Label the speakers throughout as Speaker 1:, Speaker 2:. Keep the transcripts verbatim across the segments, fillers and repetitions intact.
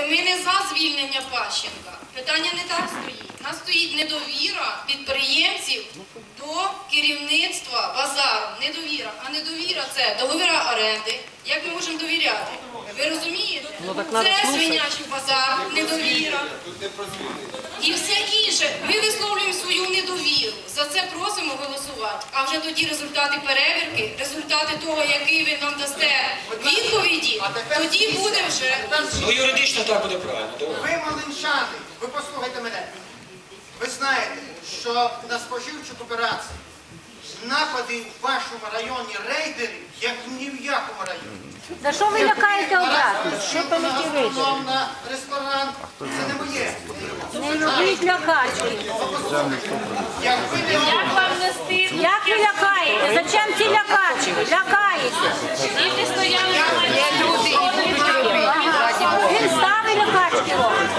Speaker 1: ми не за звільнення Пащенка. Питання не так стоїть. У нас стоїть недовіра підприємців до керівництва базару. Недовіра. А недовіра – це договіра оренди. Як ми можемо довіряти? Ви розумієте? Це свинячий базар, недовіра. І все інше. Ми висловлюємо свою недовіру. За це просимо голосувати. А вже тоді результати перевірки, результати того, який ви нам дасте відповіді, тоді буде вже...
Speaker 2: Ну, юридично так буде правильно.
Speaker 3: Ви, малинчани, ви послухайте мене. Ви знаєте, що на споживчу кооперацію напади в вашому районі рейдерів, як ні в якому районі.
Speaker 4: За що ви лякаєте обратно? Що там які вийшли?
Speaker 3: На ресторан, це не моє.
Speaker 4: Не робіть лякачки.
Speaker 3: Як ви не
Speaker 5: Як вам не стидно?
Speaker 4: Як ви лякаєте? Зачем ці лякачки? Лякаєте.
Speaker 5: Діти стояли на майдані.
Speaker 4: Він ставить лякачки робить.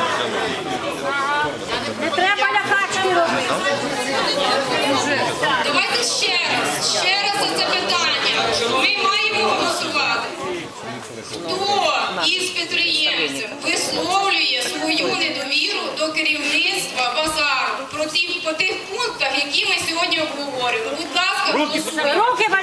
Speaker 4: Не треба лякачки робити.
Speaker 1: Давайте ще раз, ще раз за це питання. Ми маємо голосувати. Хто із підприємців висловлює свою недовіру до керівництва базару про ті, по тих пунктах, які ми сьогодні обговорюємо? Будь ласка, голосуйте.
Speaker 4: Руки